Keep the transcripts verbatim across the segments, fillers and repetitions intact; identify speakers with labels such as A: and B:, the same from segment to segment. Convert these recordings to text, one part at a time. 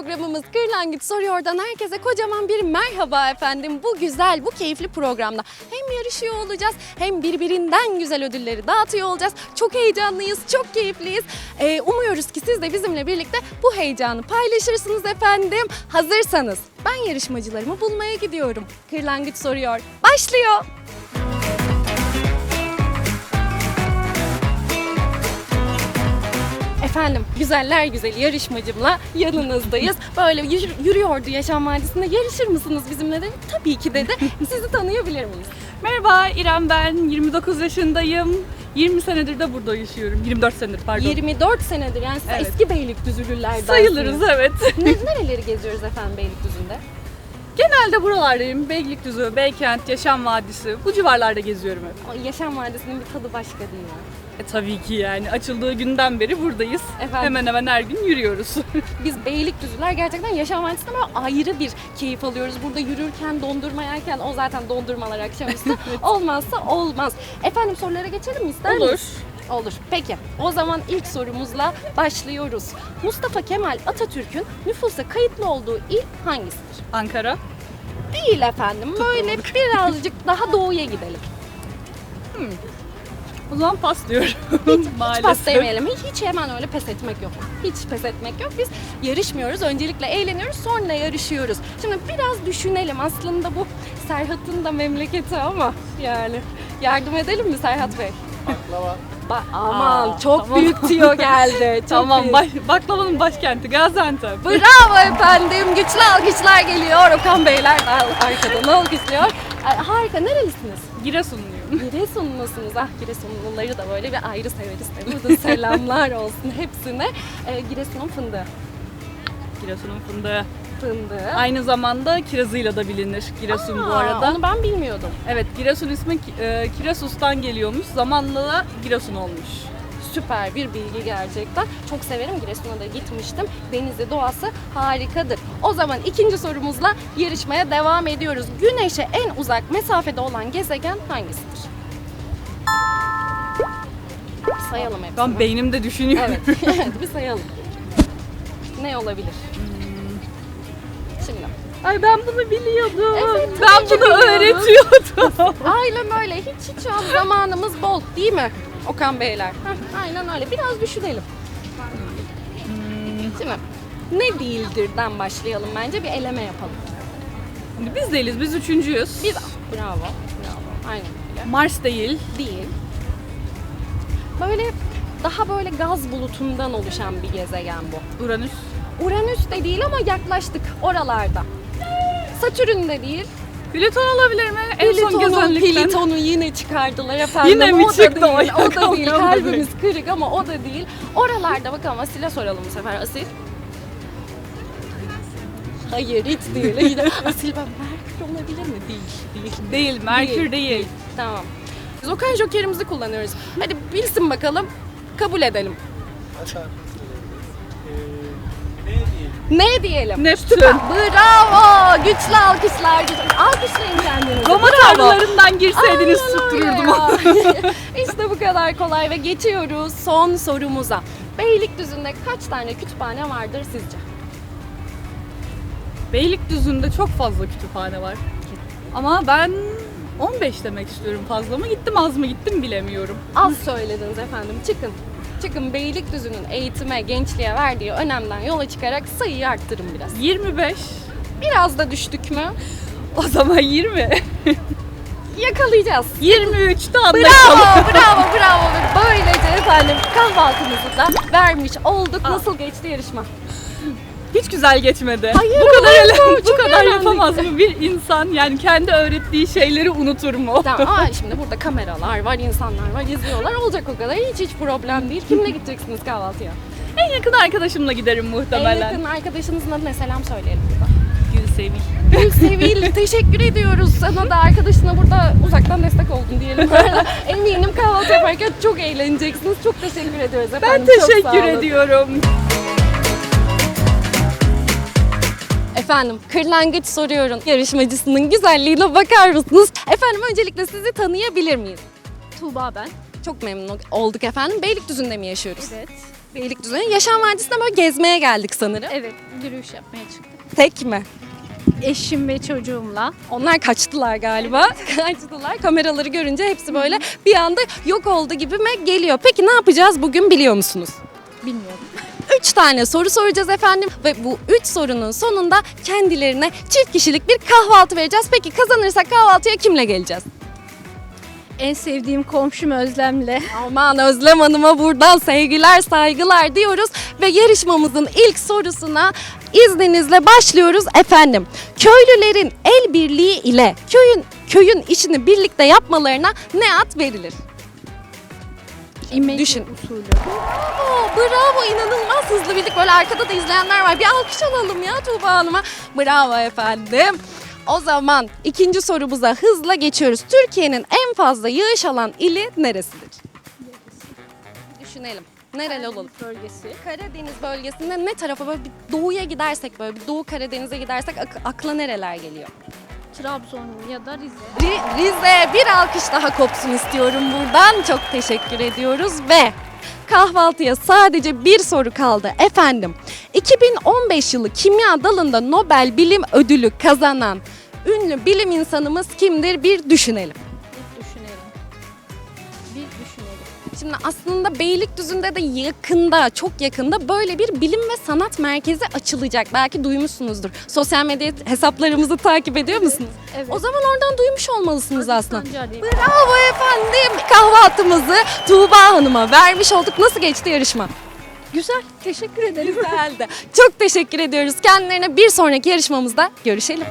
A: programımız Kırlangıç Soruyor'dan herkese kocaman bir merhaba efendim. Bu güzel, bu keyifli programda hem yarışıyor olacağız hem birbirinden güzel ödülleri dağıtıyor olacağız. Çok heyecanlıyız, çok keyifliyiz. Ee, umuyoruz ki siz de bizimle birlikte bu heyecanı paylaşırsınız efendim. Hazırsanız ben yarışmacılarımı bulmaya gidiyorum. Kırlangıç Soruyor başlıyor. Efendim, güzeller güzeli yarışmacımla yanınızdayız. Böyle yürü- yürüyordu Yaşam Vadisi'nde. Yarışır mısınız bizimle dedi. Tabii ki dedi. Sizi tanıyabilir miyiz?
B: Merhaba İrem, ben yirmi dokuz yaşındayım. yirmi senedir de burada yaşıyorum. yirmi dört senedir pardon.
A: yirmi dört senedir yani siz
B: Evet.
A: eski Beylikdüzülülerden.
B: Sayılırız, evet.
A: Ne, nereleri geziyoruz efendim Beylikdüzü'nde?
B: Genelde buralardayım. Beylikdüzü, Beykent, Yaşam Vadisi. Bu civarlarda geziyorum hep.
A: O Yaşam Vadisi'nin bir tadı başka değil mi?
B: E, tabii ki yani. Açıldığı günden beri buradayız.
A: Efendim?
B: Hemen hemen her gün yürüyoruz.
A: Biz Beylikdüzüler gerçekten Yaşam Vadisi'nde böyle ayrı bir keyif alıyoruz. Burada yürürken, dondurma yerken, o zaten dondurmalar akşamüstü. Olmazsa olmaz. Efendim sorulara geçelim mi ister
B: Olur.
A: miyiz? Olur. Peki. O zaman ilk sorumuzla başlıyoruz. Mustafa Kemal Atatürk'ün nüfusa kayıtlı olduğu il hangisidir?
B: Ankara.
A: Değil efendim. Böyle birazcık daha doğuya gidelim.
B: O zaman pas diyorum.
A: Hiç
B: Maalesef.
A: pas demeyelim. Hiç, hiç hemen öyle pes etmek yok. Hiç pes etmek yok. Biz yarışmıyoruz. Öncelikle eğleniyoruz. Sonra yarışıyoruz. Şimdi biraz düşünelim. Aslında bu Serhat'ın da memleketi ama yani yardım edelim mi Serhat Bey?
C: Baklava.
A: Ba- aman
B: Aa,
A: çok
B: tamam.
A: büyük tiyo geldi. Çok
B: Tamam,
A: büyük.
B: baş, baklavanın başkenti Gaziantep.
A: Bravo efendim. Güçlü alkışlar geliyor. Okan Beyler de arkadan alkışlıyor. Ay, harika. Nerelisiniz?
B: Giresunluyum.
A: Giresunlusunuz. Ah Giresunluları da böyle bir ayrı severiz. Tabii. Burada selamlar olsun hepsine. Ee, Giresun'un fındığı.
B: Giresun'un fındığı.
A: Fındığı.
B: Aynı zamanda kirazıyla da bilinir Giresun bu
A: Aa,
B: arada.
A: Onu ben bilmiyordum.
B: Evet, Giresun ismi e, Kirasus'tan geliyormuş. Zamanla da Giresun olmuş.
A: Süper bir bilgi gerçekten. Çok severim. Giresun'a da gitmiştim. Denizi, doğası harikadır. O zaman ikinci sorumuzla yarışmaya devam ediyoruz. Güneş'e en uzak mesafede olan gezegen hangisidir? Sayalım hepsini.
B: Ben beynimde düşünüyorum.
A: Evet, evet bir sayalım. Ne olabilir? Şimdi.
B: Ay ben bunu biliyordum.
A: Evet, tabii
B: ben
A: ki
B: bunu
A: biliyoruz.
B: öğretiyordum.
A: Aynen öyle. Hiç hiç şu an zamanımız bol değil mi Okan Beyler? Heh, aynen öyle. Biraz düşünelim. Şimdi ne değildirden başlayalım bence. Bir eleme yapalım.
B: Şimdi biz değiliz, biz üçüncüyüz.
A: Biz bravo. Bravo. Aynen öyle.
B: Mars değil.
A: Değil. Böyle daha böyle gaz bulutundan oluşan bir gezegen bu.
B: Uranüs.
A: Uranüs de değil ama yaklaştık oralarda. Satürn de değil.
B: Plüton olabilir mi? En son
A: Plüton'u,
B: gezenlikten.
A: Plüton'u yine çıkardılar efendim.
B: Yine mi
A: o
B: çıktı
A: da
B: o?
A: değil, o da değil.
B: Yok,
A: Kalbimiz kırık ama o da değil. Oralarda bakalım Asil'e soralım bu sefer. Asil. Hayır hiç değil. Yine Asil ben Merkür olabilir mi? Değil. Değil.
B: Değil, Merkür değil.
A: Tamam. Biz Okan Joker'imizi kullanıyoruz. Hadi bilsin bakalım. Kabul edelim.
C: Hatta eee ne diyelim?
A: Ne diyelim?
B: Neptün.
A: Bravo! Güçlü alkışlar. Alkışlayın kendinizi.
B: Roma
A: Bravo.
B: tanrılarından girseydiniz
A: Aynen öyle
B: tuttururdum.
A: ya. İşte bu kadar kolay ve geçiyoruz son sorumuza. Beylikdüzü'nde kaç tane kütüphane vardır sizce?
B: Beylikdüzü'nde çok fazla kütüphane var. Ama ben on beş demek istiyorum. Fazla mı gittim, az mı gittim bilemiyorum.
A: Az söylediniz efendim. Çıkın. Çıkın Beylikdüzü'nün eğitime, gençliğe verdiği önemden yola çıkarak sayıyı arttırın biraz.
B: yirmi beş.
A: Biraz da düştük mü?
B: O zaman yirmi.
A: Yakalayacağız.
B: yirmi üçte
A: Bravo,
B: anlaşalım.
A: bravo, bravo. Ve böylece efendim kahvaltımızı da vermiş olduk. Nasıl geçti yarışma?
B: Hiç güzel geçmedi.
A: Hayır,
B: bu kadar
A: olur mu?
B: ele- bu
A: Çok
B: kadar
A: eğlendik.
B: yapamaz mı bir insan? Yani kendi öğrettiği şeyleri unutur mu?
A: Tamam, aa, şimdi burada kameralar var, insanlar var, izliyorlar. Olacak o kadar. Hiç hiç problem değil. Kimle gideceksiniz kahvaltıya?
B: En yakın arkadaşımla giderim
A: En
B: muhtemelen.
A: yakın arkadaşınızın adına selam söyleyelim burada.
B: Gülsevil.
A: Gülsevil, teşekkür ediyoruz. Sana da arkadaşına burada uzaktan destek oldun diyelim. Eminim kahvaltı yaparken çok eğleneceksiniz. Çok teşekkür ediyoruz
B: Ben
A: efendim. Çok sağ
B: teşekkür
A: olun.
B: ediyorum.
A: Efendim Kırlangıç Soruyorum yarışmacısının güzelliğine bakar mısınız? Efendim öncelikle sizi tanıyabilir miyiz?
D: Tuğba ben.
A: Çok memnun olduk efendim. Beylikdüzü'nde mi yaşıyoruz?
D: Evet.
A: Beylikdüzü'ne Yaşam Vadisi'ne böyle gezmeye geldik sanırım.
D: Evet, yürüyüş yapmaya çıktık.
A: Tek mi?
D: Eşim ve çocuğumla.
A: Onlar kaçtılar galiba. Kaçtılar. Kameraları görünce hepsi böyle bir anda yok oldu gibime geliyor. Peki ne yapacağız bugün biliyor musunuz?
D: Bilmiyorum.
A: Üç tane soru soracağız efendim ve bu üç sorunun sonunda kendilerine çift kişilik bir kahvaltı vereceğiz. Peki kazanırsak kahvaltıya kimle geleceğiz?
D: En sevdiğim komşum Özlem'le.
A: Aman Özlem Hanım'a buradan sevgiler saygılar diyoruz ve yarışmamızın ilk sorusuna izninizle başlıyoruz efendim. Köylülerin el birliği ile köyün köyün işini birlikte yapmalarına ne ad verilir?
D: İmece
A: Düşün.
D: usulü.
A: Oo, bravo, inanılmaz hızlı bildik. Böyle arkada da izleyenler var. Bir alkış alalım ya Tuğba Hanım'a. Bravo efendim. O zaman ikinci sorumuza hızla geçiyoruz. Türkiye'nin en fazla yağış alan ili neresidir? Düşünelim. Nereli olalım?
D: Bölgesi.
A: Karadeniz bölgesinde ne tarafa böyle bir doğuya gidersek, böyle bir Doğu Karadeniz'e gidersek ak- akla nereler geliyor?
D: Trabzon ya da Rize.
A: Ri- Rize, bir alkış daha kopsun istiyorum buradan. Çok teşekkür ediyoruz ve kahvaltıya sadece bir soru kaldı efendim. iki bin on beş yılı kimya dalında Nobel Bilim Ödülü kazanan ünlü bilim insanımız kimdir? Bir düşünelim.
D: Bir düşünelim. Bir düşünelim.
A: Şimdi aslında Beylikdüzü'nde de yakında, çok yakında böyle bir bilim ve sanat merkezi açılacak. Belki duymuşsunuzdur. Sosyal medya hesaplarımızı takip ediyor musunuz?
D: Evet.
A: O zaman oradan duymuş olmalısınız aslında.
D: Sancari.
A: Bravo efendim. Kahvaltımızı Tuğba Hanım'a vermiş olduk. Nasıl geçti yarışma?
D: Güzel. Teşekkür ederim.
A: Güzeldi. Çok teşekkür ediyoruz. Kendilerine bir sonraki yarışmamızda görüşelim.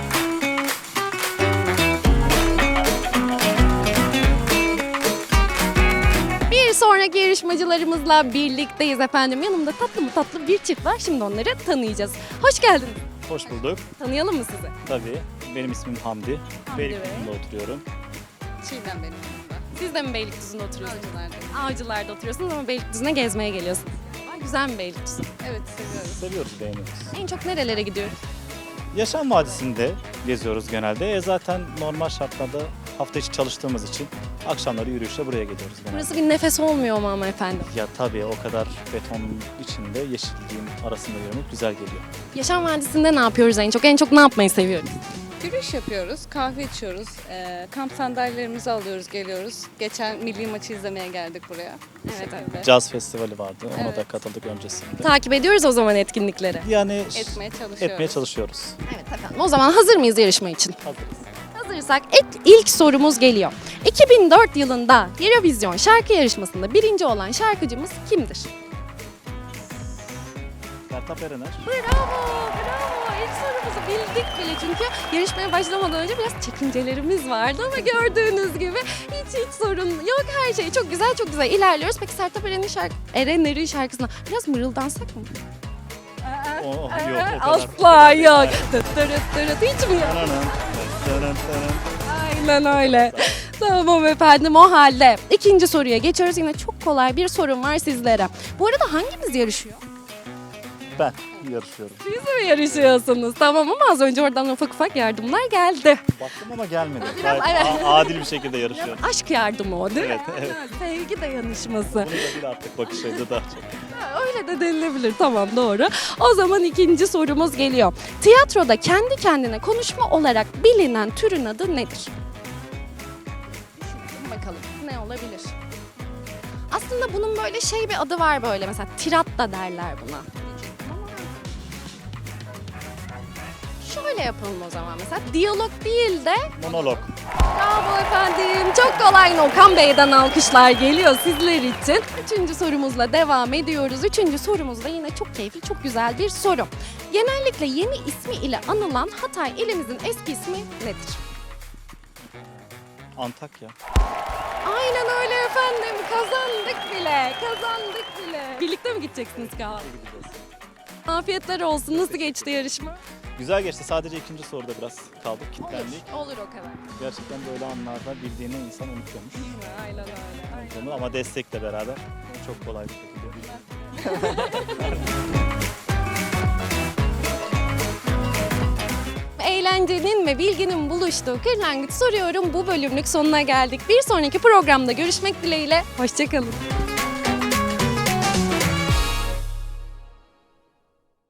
A: Bir sonraki yarışmacılarımızla birlikteyiz efendim. Yanımda tatlı mı tatlı bir çift var. Şimdi onları tanıyacağız. Hoş geldiniz.
E: Hoş bulduk.
A: Tanıyalım mı sizi?
E: Tabii. Benim ismim Hamdi.
A: Hamdi
E: Beylikdüzü'nde oturuyorum.
A: Çiğdem benim yanımda. Siz de mi Beylikdüzü'nde oturuyorsunuz? Avcılar'da. Avcılar'da oturuyorsunuz ama Beylikdüzü'ne gezmeye geliyorsunuz. Ay, güzel mi Beylikdüzü?
D: Evet, seviyorum.
E: Seviyoruz, beğeniyoruz.
A: En çok nerelere gidiyoruz?
E: Yaşam Vadisi'nde geziyoruz genelde. E zaten normal şartlarda hafta içi çalıştığımız için akşamları yürüyüşle buraya geliyoruz genelde.
A: Burası bir nefes olmuyor mu ama efendim?
E: Ya tabii o kadar beton içinde yeşilliğin arasında yürümek güzel geliyor.
A: Yaşam Vadisi'nde ne yapıyoruz en çok? En çok ne yapmayı seviyoruz?
F: Yürüyüş yapıyoruz, kahve içiyoruz, eee, kamp sandalyelerimizi alıyoruz, geliyoruz. Geçen milli maçı izlemeye geldik buraya.
A: Evet, evet.
E: Caz festivali vardı. Ona da
F: Evet.
E: katıldık öncesinde.
A: Takip ediyoruz o zaman etkinlikleri.
E: Yani
F: Etmeye çalışıyoruz.
E: etmeye çalışıyoruz.
A: Evet efendim. O zaman hazır mıyız yarışma için?
E: Hazırız.
A: Hazırsak et- ilk sorumuz geliyor. iki bin dört yılında Eurovision şarkı yarışmasında birinci olan şarkıcımız kimdir?
E: Sertab Erener.
A: Bravo, bravo. İlk sorumuzu bildik bile çünkü yarışmaya başlamadan önce biraz çekincelerimiz vardı ama gördüğünüz gibi hiç hiç sorun yok. Her şey çok güzel, çok güzel ilerliyoruz. Peki Sertab Erener'in şarkı, Erener'in şarkısına biraz mırıldansak mı?
E: O, yok o kadar.
A: Asla yok. Tıt tırıt tırıt, hiç mi yok?
E: Tananın, tananın, tananın.
A: Aynen öyle. Tamam efendim, o halde ikinci soruya geçiyoruz. Yine çok kolay bir sorum var sizlere. Bu arada hangimiz yarışıyor?
E: Ben yarışıyorum.
A: Siz mi yarışıyorsunuz? Tamam ama az önce oradan ufak ufak yardımlar geldi.
E: Baktım ama gelmedi.
A: Biraz-
E: Gayet
A: evet.
E: a- adil bir şekilde yarışıyorum.
A: Aşk yardımı o değil mi?
E: Evet, evet.
A: Sevgi dayanışması.
E: Bunu da bir artık bakışıydı daha çok.
A: Ha, öyle de denilebilir. Tamam, doğru. O zaman ikinci sorumuz geliyor. Tiyatroda kendi kendine konuşma olarak bilinen türün adı nedir? Düşünelim bakalım ne olabilir? Aslında bunun böyle şey bir adı var, böyle mesela tirat da derler buna. Şöyle yapalım o zaman, mesela diyalog değil de
E: Monolog.
A: bravo efendim. Çok kolay. Okan Bey'den alkışlar geliyor sizler için. Üçüncü sorumuzla devam ediyoruz. Üçüncü sorumuz da yine çok keyifli, çok güzel bir soru. Genellikle yeni ismi ile anılan Hatay ilimizin eski ismi nedir?
E: Antakya.
A: Aynen öyle efendim. Kazandık bile. Kazandık bile. Birlikte mi gideceksiniz kahve? Afiyetler olsun. Nasıl geçti yarışma?
E: Güzel geçti. Sadece ikinci soruda biraz kaldık, kilitlendik.
A: Olur, olur o kadar.
E: Gerçekten böyle anlarda bildiğini insan unutuyormuş.
A: Aynen öyle. Aynen.
E: Bunu ama destekle beraber çok kolay bir şekilde bildim.
A: Eğlencenin ve bilginin buluştuğu Kırlangıç Soruyorum bu bölümlük sonuna geldik. Bir sonraki programda görüşmek dileğiyle. Hoşçakalın.